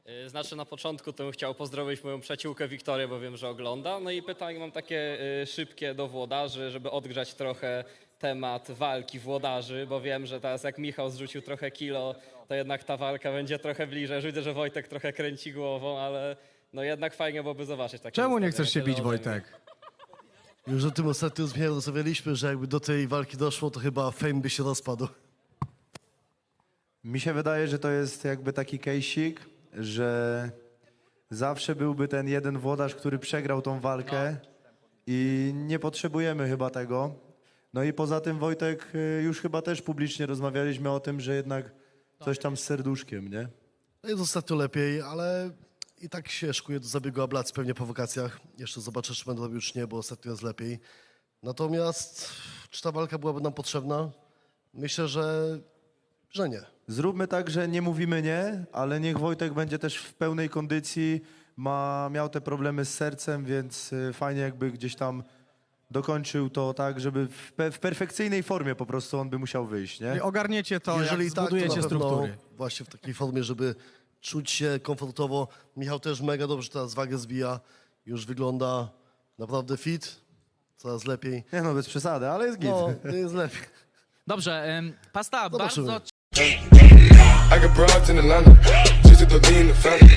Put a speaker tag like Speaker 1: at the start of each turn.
Speaker 1: Znaczy na początku to bym chciał pozdrowić moją przyjaciółkę Wiktorię, bo wiem, że ogląda. No i pytanie mam takie szybkie do włodarzy, żeby odgrzać trochę temat walki włodarzy, bo wiem, że teraz jak Michał zrzucił trochę kilo, to jednak ta walka będzie trochę bliżej. Już widzę, że Wojtek trochę kręci głową, ale no jednak fajnie byłoby zobaczyć takie
Speaker 2: Czemu nie
Speaker 1: zestawienie.
Speaker 2: chcesz się
Speaker 1: Tyle
Speaker 2: bić,
Speaker 1: ode mnie.
Speaker 2: Wojtek?
Speaker 3: Już o tym ostatnio z Michałem rozmawialiśmy, że jakby do tej walki doszło, to chyba Fame by się rozpadł.
Speaker 4: Mi się wydaje, że to jest jakby taki case'ik, że zawsze byłby ten jeden włodarz, który przegrał tą walkę i nie potrzebujemy chyba tego. No i poza tym Wojtek, już chyba też publicznie rozmawialiśmy o tym, że jednak coś tam z serduszkiem, nie?
Speaker 3: No jest ostatnio lepiej, ale i tak się szykuje do zabiegu ablacji pewnie po wakacjach. Jeszcze zobaczę, czy będę robił, już nie, bo ostatnio jest lepiej. Natomiast czy ta walka byłaby nam potrzebna? Myślę, że nie.
Speaker 4: Zróbmy tak, że nie mówimy nie, ale niech Wojtek będzie też w pełnej kondycji, miał te problemy z sercem, więc fajnie jakby gdzieś tam dokończył to tak, żeby w perfekcyjnej formie po prostu on by musiał wyjść, nie?
Speaker 2: I ogarniecie to,
Speaker 3: Jeżeli
Speaker 2: jak
Speaker 3: tak, to
Speaker 2: zbudujecie
Speaker 3: na pewno
Speaker 2: struktury.
Speaker 3: właśnie w takiej formie, żeby czuć się komfortowo. Michał też mega dobrze teraz wagę zbija. Już wygląda naprawdę fit, coraz lepiej.
Speaker 4: Nie no, bez przesady, ale jest git.
Speaker 3: No, jest lepiej.
Speaker 5: Dobrze, Pasta,
Speaker 3: Zobaczymy.
Speaker 5: bardzo
Speaker 6: I got broads in Atlanta, just to lean the family.